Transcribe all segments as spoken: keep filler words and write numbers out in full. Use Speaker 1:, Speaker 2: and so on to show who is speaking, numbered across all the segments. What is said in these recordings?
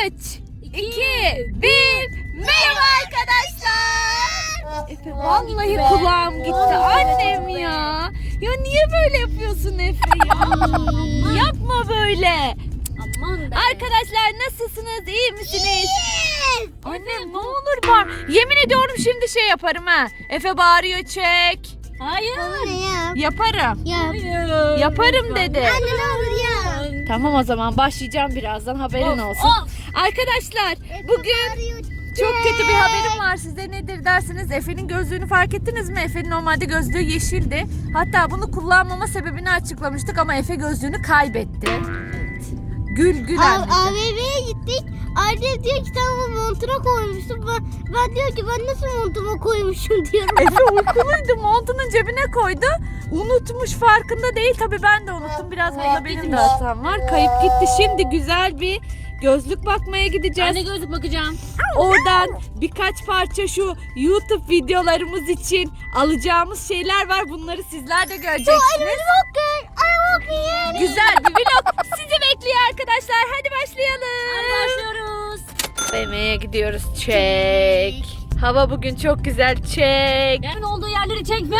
Speaker 1: üç, iki, bir. Merhaba arkadaşlar. Efe vallahi kulağım gitti annem ya. Ya niye böyle yapıyorsun Efe ya? Yapma böyle.
Speaker 2: Aman be.
Speaker 1: Arkadaşlar nasılsınız? İyi misiniz? Annem ne olur bağır. Yemin ediyorum şimdi şey yaparım ha. Efe bağırıyor çek.
Speaker 2: Hayır.
Speaker 1: Yaparım.
Speaker 2: Hayır.
Speaker 1: Yaparım dedi.
Speaker 2: Anne ne olur ya.
Speaker 1: Tamam o zaman başlayacağım birazdan haberin
Speaker 2: Of,
Speaker 1: olsun.
Speaker 2: of.
Speaker 1: Arkadaşlar bugün çok kötü bir haberim var size. Nedir dersiniz? Efe'nin gözlüğünü fark ettiniz mi? Efe'nin normalde gözlüğü yeşildi. Hatta bunu kullanmama sebebini açıklamıştık ama Efe gözlüğünü kaybetti. Gül gül anneciğim.
Speaker 3: A V M'ye gittik. Annem diyor ki sen bunu montuna koymuşsun. Ben, ben diyor ki ben nasıl montuma koymuşum diyorum.
Speaker 1: Efe uykuluydu, montunun cebine koydu. Unutmuş, farkında değil. Tabii ben de unuttum. Biraz burada benim de hatam var. Kayıp gitti. Şimdi güzel bir gözlük bakmaya gideceğiz.
Speaker 2: Anne gözlük bakacağım.
Speaker 1: Oradan birkaç parça şu YouTube videolarımız için alacağımız şeyler var. Bunları sizler de göreceksiniz. Güzel bir vlog sizi bekliyor arkadaşlar. Hadi başlayalım.
Speaker 2: Hadi başlıyoruz.
Speaker 1: B M'ye gidiyoruz. Çek. Hava bugün çok güzel. Çek.
Speaker 2: Yerin olduğu yerleri çekme.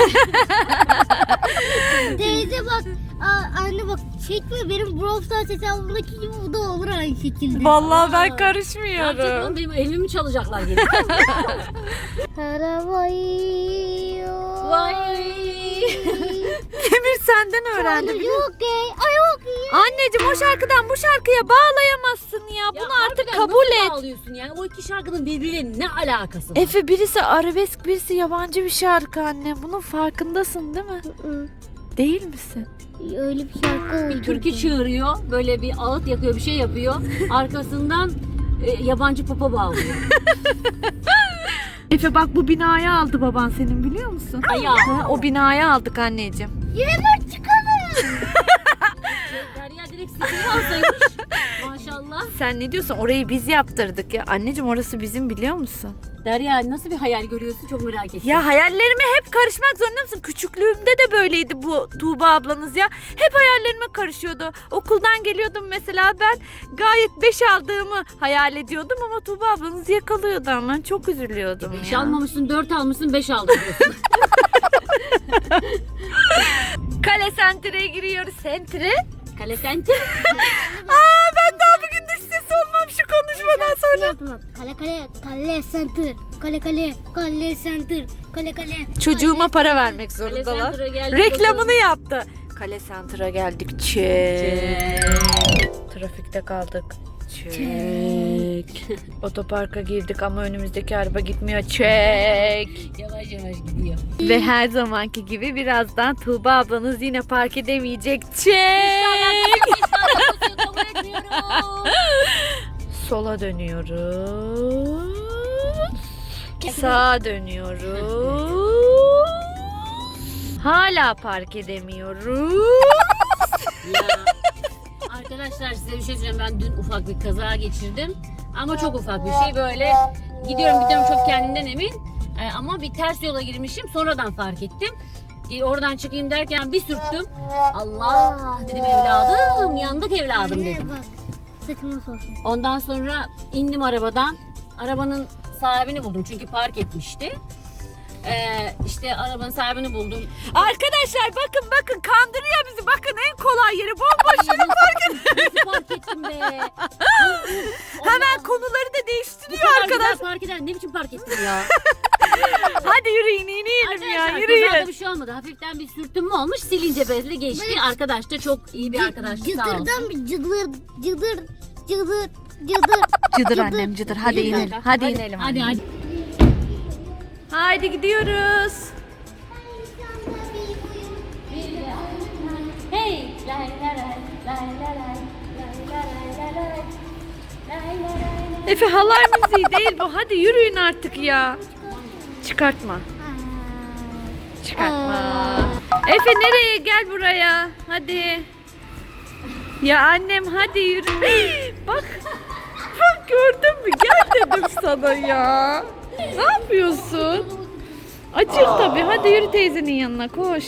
Speaker 3: Teyze bak. Aa, anne bak çekme benim Brawl Stars hesabımdaki gibi bu da olur aynı şekilde.
Speaker 1: Vallahi ben
Speaker 2: Aa,
Speaker 1: karışmıyorum.
Speaker 2: Gerçekten benim evimi çalacaklar gelip.
Speaker 3: Arabayı.
Speaker 2: Vay.
Speaker 1: Emir senden öğrendi. biliyor musun?
Speaker 3: Okey.
Speaker 1: Anneciğim o şarkıdan bu şarkıya bağlayamazsın ya. Bunu
Speaker 2: Ya
Speaker 1: artık
Speaker 2: harbiden
Speaker 1: kabul
Speaker 2: nasıl
Speaker 1: et.
Speaker 2: bağlıyorsun yani? O iki şarkının birbiriyle ne alakası var?
Speaker 1: Efe birisi arabesk birisi yabancı bir şarkı anne. Bunun farkındasın değil mi? Değil misin?
Speaker 3: Öyle bir şarkı oldu.
Speaker 2: Bir türkü çığırıyor, böyle bir ağıt yakıyor, bir şey yapıyor. Arkasından e, yabancı popa bağlıyor.
Speaker 1: Efe bak bu binayı aldı baban senin biliyor musun?
Speaker 2: Ayağı.
Speaker 1: Ha, o binayı aldık anneciğim.
Speaker 3: Yürümek çıkalım.
Speaker 2: Derya direkt sesini alsaymış. Maşallah.
Speaker 1: Sen ne diyorsun? Orayı biz yaptırdık ya. Anneciğim orası bizim biliyor musun?
Speaker 2: Derya nasıl bir hayal görüyorsun çok merak ettim.
Speaker 1: Ya hayallerime hep karışmak zorunda mısın? Küçüklüğümde de böyleydi bu Tuğba ablanız ya. Hep hayallerime karışıyordu. Okuldan geliyordum mesela ben gayet beş aldığımı hayal ediyordum ama Tuğba ablanız yakalıyordu ama çok üzülüyordum
Speaker 2: beş
Speaker 1: ya.
Speaker 2: almamışsın, dört almışsın, beş aldın diyorsun.
Speaker 1: Kale Center'e giriyoruz. Center'e?
Speaker 2: Kale senti.
Speaker 1: Aa ben daha bugün dış ses olmam şu konuşmadan sonra.
Speaker 3: Kale kale kale center. Kale kale kale center. Kale kale.
Speaker 1: Çocuğuma para vermek
Speaker 2: Kale
Speaker 1: zorundalar.
Speaker 2: Center'a geldik.
Speaker 1: Reklamını yaptı. Kale Center'a geldik. Çek. Trafikte kaldık. Çek. Otoparka girdik ama önümüzdeki araba gitmiyor. Çek.
Speaker 2: Yavaş yavaş gidiyor.
Speaker 1: Ve her zamanki gibi birazdan Tuğba ablanız yine park edemeyecek. Çek.
Speaker 2: Kabul etmiyorum.
Speaker 1: Sola dönüyoruz. Sağa dönüyoruz. Hala park edemiyoruz.
Speaker 2: Ya. Arkadaşlar size bir şey söyleyeceğim. Ben dün ufak bir kaza geçirdim. Ama çok ufak bir şey böyle. Gidiyorum gidiyorum çok kendimden emin. Ee, ama bir ters yola girmişim. Sonradan fark ettim. Ee, oradan çıkayım derken bir sürttüm. Allah dedim evladım. Yandık evladım
Speaker 3: Anne
Speaker 2: dedim.
Speaker 3: bak. Saçımı soksun.
Speaker 2: Ondan sonra indim arabadan. Arabanın sahibini buldum çünkü park etmişti. Ee, işte arabanın sahibini buldum.
Speaker 1: Arkadaşlar bakın bakın kandırıyor bizi. Bakın en kolay yeri bomboş yere park ediyor.
Speaker 2: Nasıl park ettim be?
Speaker 1: Hemen konuları da değiştiriyor
Speaker 2: Arkadaş
Speaker 1: arkadaş.
Speaker 2: park eder. Ne biçim park ettim ya?
Speaker 1: Hadi yürüyün inelim ya
Speaker 2: Arkadaşlar
Speaker 1: yürüyün.
Speaker 2: kazada bir şey olmadı. Hafiften bir sürtünme olmuş. Silince bezle geçti. Arkadaş da çok iyi bir arkadaş. Sağ olsun.
Speaker 3: Cıdırdan bir cıdır cıdır cıdır cıdır.
Speaker 1: Cıdır annem cıdır. Hadi
Speaker 2: Yürü
Speaker 1: inelim.
Speaker 2: kanka.
Speaker 1: Hadi inelim.
Speaker 2: Hadi
Speaker 1: annem.
Speaker 2: hadi.
Speaker 1: Haydi gidiyoruz.
Speaker 2: Hey. Lay lay lay lay lay lay lay lay lay lay.
Speaker 1: Efe halay müziği değil bu. Hadi yürüyün artık ya. Çıkartma. Çıkartma. Efe nereye? Gel buraya. Hadi. Ya annem hadi yürü. Bak. Bak gördün mü? Gel dedim sana ya. Ne yapıyorsun? Acır tabii. Hadi yürü teyzenin yanına koş.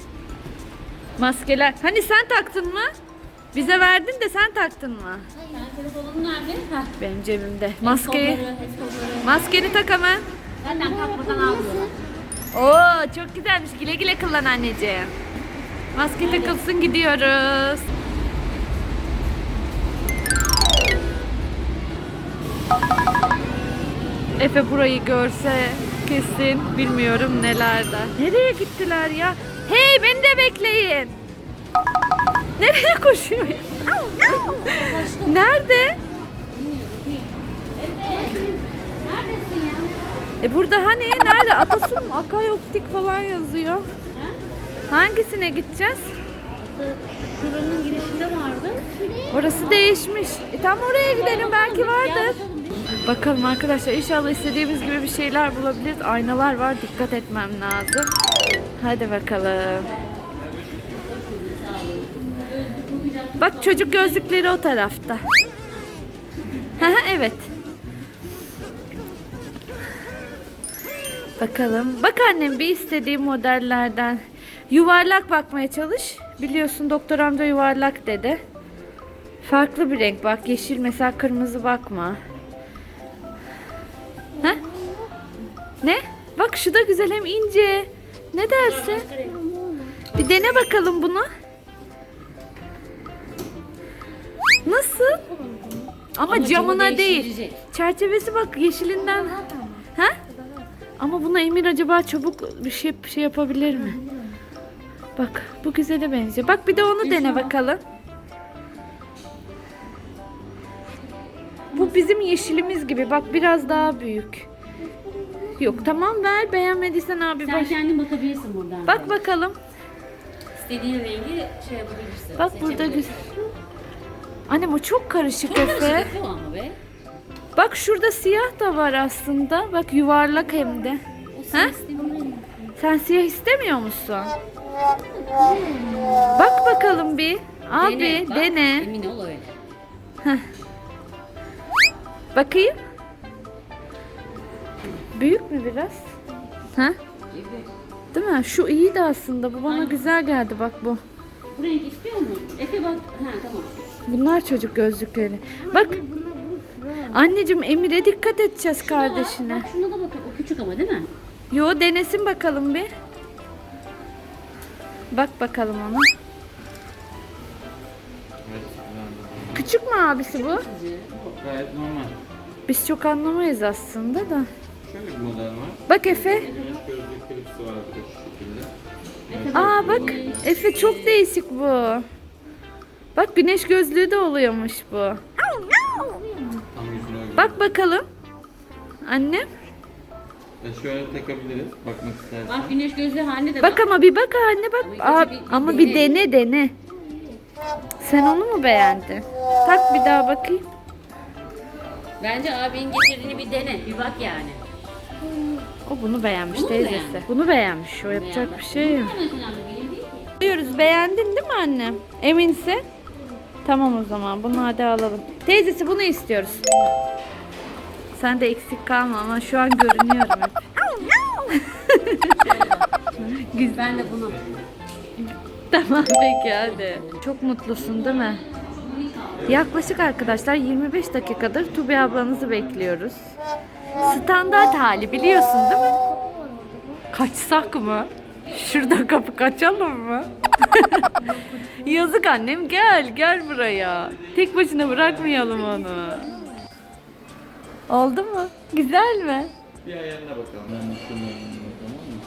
Speaker 1: Maskeler. Hani sen taktın mı? Bize verdin de sen taktın mı?
Speaker 2: Ben Telefonun nerede? Heh.
Speaker 1: Benim cebimde. Maskeyi.
Speaker 2: Kolları, el kolları.
Speaker 1: Maskeni tak hemen.
Speaker 2: Zaten takmadan almıyorlar.
Speaker 1: Oo çok güzelmiş. Güle güle kullan anneciğim. Maske takılsın gidiyoruz. Efe burayı görse kesin bilmiyorum nelerde. Nereye gittiler ya? Hey beni de bekleyin. Nereye koşuyor? Nerede?
Speaker 2: Neredesin ya?
Speaker 1: E burada hani nerede? Atasun Akay Optik falan yazıyor. Hangisine gideceğiz?
Speaker 2: Şuranın girişinde vardı.
Speaker 1: Orası değişmiş. E tam oraya gidelim belki vardır. Bakalım arkadaşlar inşallah istediğimiz gibi bir şeyler bulabiliriz. Aynalar var dikkat etmem lazım. Hadi bakalım. Bak çocuk gözlükleri o tarafta. Evet. Bakalım. Bak annem bir istediğim modellerden. Yuvarlak bakmaya çalış. Biliyorsun doktor amca yuvarlak dedi. Farklı bir renk bak. Yeşil mesela kırmızı bakma. Ha? Ne? Bak şu da güzel hem ince. Ne dersin? Bir dene bakalım bunu. Nasıl? Ama,
Speaker 2: Ama
Speaker 1: camına
Speaker 2: camı
Speaker 1: değil.
Speaker 2: değiştirecek.
Speaker 1: Çerçevesi bak yeşilinden. Ha? Ama buna Emir acaba çabuk bir şey bir şey yapabilir mi? Bak bu güzele benziyor. Bak bir de onu dene bakalım. Bu bizim yeşilimiz gibi. Bak biraz daha büyük. Yok tamam ver. Beğenmediysen abi
Speaker 2: Sen
Speaker 1: baş.
Speaker 2: kendin bakabilirsin buradan.
Speaker 1: Bak bakalım.
Speaker 2: İstediğin rengi şey yapabilirsin.
Speaker 1: Bak burada güzel. Annem o çok karışık
Speaker 2: Çok
Speaker 1: Efe.
Speaker 2: karışık ama be.
Speaker 1: Bak şurada siyah da var aslında. Bak yuvarlak hem de. Ha? Sen siyah istemiyor musun? Bak bakalım bir. Abi
Speaker 2: bak,
Speaker 1: dene.
Speaker 2: Emin ol öyle.
Speaker 1: Bakayım. Büyük mü biraz? Ha? Değil mi? Şu iyi de aslında. Bu bana
Speaker 2: Aynen.
Speaker 1: güzel geldi bak bu.
Speaker 2: Bu renk istiyor mu? Efe bak. Ha tamam.
Speaker 1: Bunlar çocuk gözlükleri. Bak. Anneciğim Emir'e dikkat edeceğiz kardeşine.
Speaker 2: Bak şuna da bakın. O küçük ama değil mi?
Speaker 1: Yo denesin bakalım bir. Bak bakalım ona. Küçük mü abisi bu?
Speaker 4: Gayet normal.
Speaker 1: Biz çok anlamayız aslında da.
Speaker 4: Şöyle bir model var.
Speaker 1: Bak Efe.
Speaker 4: Güneş gözlük klipsi var bir de şu şekilde.
Speaker 1: Aa bak Efe çok değişik bu. Bak güneş gözlüğü de oluyormuş bu.
Speaker 4: Tam yüzüne uygun.
Speaker 1: Bak bakalım. Annem.
Speaker 4: E şöyle takabiliriz. Bakmak istersen.
Speaker 2: Bak güneş gözlüğü haline de
Speaker 1: Bak ama bir bak anne bak.
Speaker 2: Ama
Speaker 1: Aa,
Speaker 2: ilk önce bir- bir
Speaker 1: ama bir
Speaker 2: dene.
Speaker 1: dene dene. Sen onu mu beğendin? Tak bir daha bakayım.
Speaker 2: Bence abinin getirdiğini bir dene. Bir bak yani.
Speaker 1: O bunu beğenmiş
Speaker 2: Bunu mu
Speaker 1: teyzesi.
Speaker 2: beğendi?
Speaker 1: Bunu beğenmiş. O yapacak bir şey yok.
Speaker 2: Bu mesela benim değil ki.
Speaker 1: Diyoruz beğendin değil mi annem? Eminse. Tamam o zaman bunu hadi alalım. Teyzesi bunu istiyoruz. Sen de eksik kalma ama şu an görünüyorum hep. Güzel.
Speaker 2: Ben de bunu.
Speaker 1: Tamam peki hadi. Çok mutlusun değil mi? Yaklaşık arkadaşlar yirmi beş dakikadır Tubi ablanızı bekliyoruz. Standart hali biliyorsun değil mi? Kaçsak mı? Şurada kapı kaçalım mı? Yazık annem gel gel buraya. Tek başına bırakmayalım onu. Oldu mu? Güzel mi?
Speaker 4: Bir ayarına bakalım. Ben de şunun ayarına tamam mı?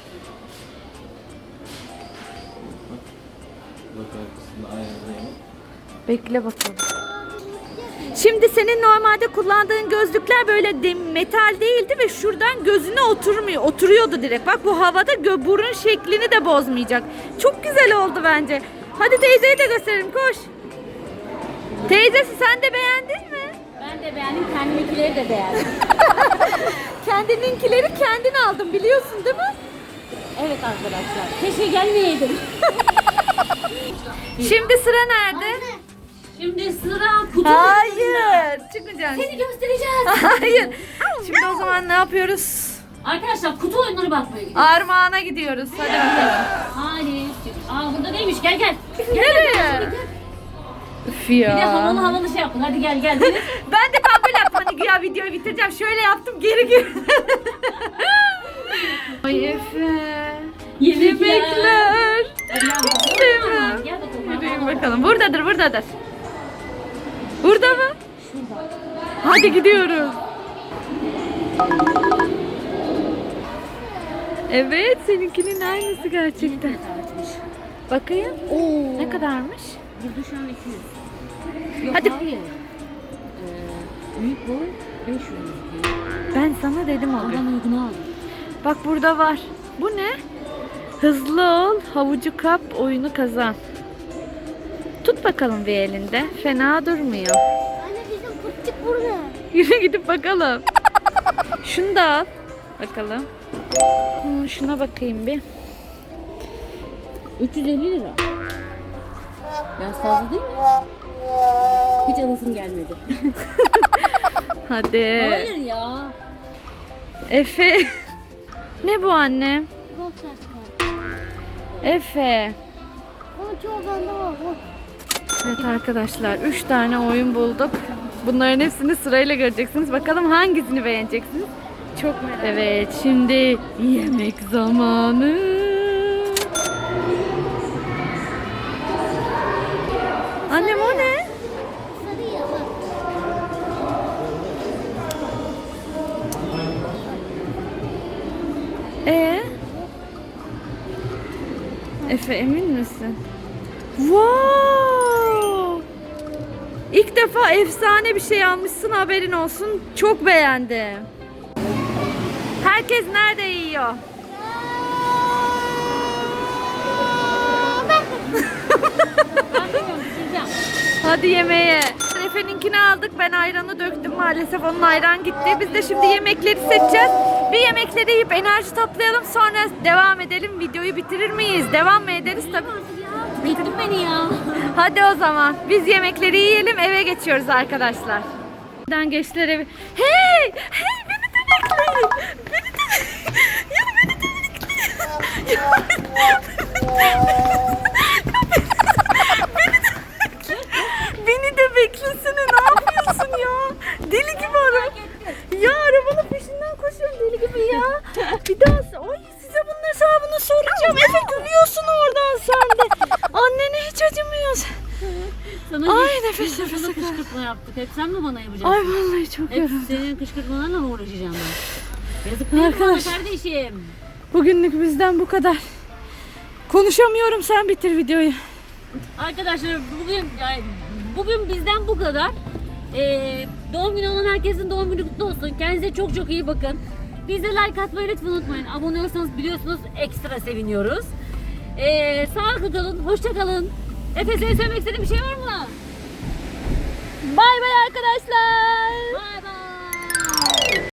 Speaker 4: Bak arkasında ayarlayalım.
Speaker 1: Bekle bakalım. Şimdi senin normalde kullandığın gözlükler böyle de metal değildi ve şuradan gözüne oturmuyor. Oturuyordu direkt. Bak bu havada gö burun şeklini de bozmayacak. Çok güzel oldu bence. Hadi teyzeye de gösterelim koş. Teyzesi sen de beğendin mi?
Speaker 2: Ben de beğendim. Kendiminkileri de beğendim.
Speaker 1: Kendininkileri kendin aldın biliyorsun değil mi?
Speaker 2: Evet arkadaşlar. Keşke gelmeyeydim.
Speaker 1: Şimdi sıra nerede?
Speaker 2: Şimdi sıra kutu.
Speaker 1: Hayır. Çıkmayacaksın.
Speaker 2: Seni göstereceğiz.
Speaker 1: Hayır. Şimdi o zaman ne yapıyoruz?
Speaker 2: Arkadaşlar kutu oyunları bakmaya gidiyoruz.
Speaker 1: Armağan'a gidiyoruz. Hadi bakalım.
Speaker 2: Hadi. Aa burada neymiş? Gel gel.
Speaker 1: Nereye? Üf Üf ya.
Speaker 2: Bir de havalı havalı şey yapın. Hadi gel gel. Deniz.
Speaker 1: Ben de ben böyle yaptım. Hani güya videoyu bitireceğim. Şöyle yaptım. Geri geri. Ay Efe. Yemekler.
Speaker 2: Hadi gel bakalım.
Speaker 1: Değil mi?
Speaker 2: Gel bakalım.
Speaker 1: Yürüyün bakalım. Buradadır, buradadır. Burada mı? Hadi gidiyoruz. Evet, seninkinin aynısı gerçekten. Bakayım.
Speaker 2: Oo.
Speaker 1: Ne kadarmış?
Speaker 2: Burada şu an iki yüz. Yok,
Speaker 1: Hadi.
Speaker 2: hayır. Ee, büyük boy beş yüz.
Speaker 1: Ben sana dedim o gün.
Speaker 2: Oradan uygunu aldım.
Speaker 1: Bak burada var. Bu ne? Hızlı ol, havucu kap, oyunu kazan. Tut bakalım bir elinde. Fena durmuyor.
Speaker 3: Anne bizim pıttık burada.
Speaker 1: Yürü gidip bakalım. Şunu da al. Bakalım. Hmm, şuna bakayım bir.
Speaker 2: üç yüz elli lira. Biraz fazla değil mi? Hiç alasım gelmedi.
Speaker 1: Hadi.
Speaker 2: Hayır ya.
Speaker 1: Efe. Ne bu anne?
Speaker 3: Bak şaşkın.
Speaker 1: Efe.
Speaker 3: Ama çoğu bende var. Bak.
Speaker 1: Evet arkadaşlar, üç tane oyun bulduk. Bunların hepsini sırayla göreceksiniz. Bakalım hangisini beğeneceksiniz? Çok merak. Evet, şimdi yemek zamanı. Annem o ne?
Speaker 3: Sarı ya bak.
Speaker 1: Ee? Efe emin misin? Wow! İlk defa efsane bir şey almışsın, haberin olsun. Çok beğendim. Herkes nerede yiyor?
Speaker 2: Ben bilmiyorum, bitireceğim.
Speaker 1: Hadi yemeğe. Efe'ninkini aldık. Ben ayranı döktüm. Maalesef onun ayran gitti. Biz de şimdi yemekleri seçeceğiz. Bir yemekleri yiyip enerji toplayalım. Sonra devam edelim. Videoyu bitirir miyiz? Devam mı ederiz? Tabii.
Speaker 2: Bitirdin beni ya.
Speaker 1: Hadi o zaman. Biz yemekleri yiyelim. Eve geçiyoruz arkadaşlar. Buradan geçtiler evi. Hey! Hey! Beni de bekleyin. Beni de Ya beni de bekleyin. Beni de beklesene, ne yapıyorsun ya? Deli gibi araba. Ya arabanın peşinden koşuyorum deli gibi ya. Bir daha ay size bunun hesabını soracağım. Efe gülüyorsun oradan sen de. Annene hiç acımıyorsun.
Speaker 2: Sana
Speaker 1: Ay,
Speaker 2: hiç-
Speaker 1: nefes
Speaker 2: hiç
Speaker 1: nefese
Speaker 2: sana
Speaker 1: kaldım.
Speaker 2: kışkırtma yaptık. Hep sen mi bana yapacaksın?
Speaker 1: Ay vallahi çok
Speaker 2: Hep
Speaker 1: yoruldum.
Speaker 2: senin kışkırtmalarla mı uğraşacağım ben? Yazık değil mi
Speaker 1: Arkadaş.
Speaker 2: bana kardeşim?
Speaker 1: Bugünlük bizden bu kadar. Konuşamıyorum, sen bitir videoyu.
Speaker 2: Arkadaşlar bugün yani bugün bizden bu kadar. Ee, doğum günü olan herkesin doğum günü kutlu olsun. Kendinize çok çok iyi bakın. Bize like atmayı lütfen unutmayın. Abone olursanız biliyorsunuz ekstra seviniyoruz. Ee, sağlıklı kalın, hoşça kalın. Efe senin söylemek istediğin bir şey var mı?
Speaker 1: Bay bay arkadaşlar.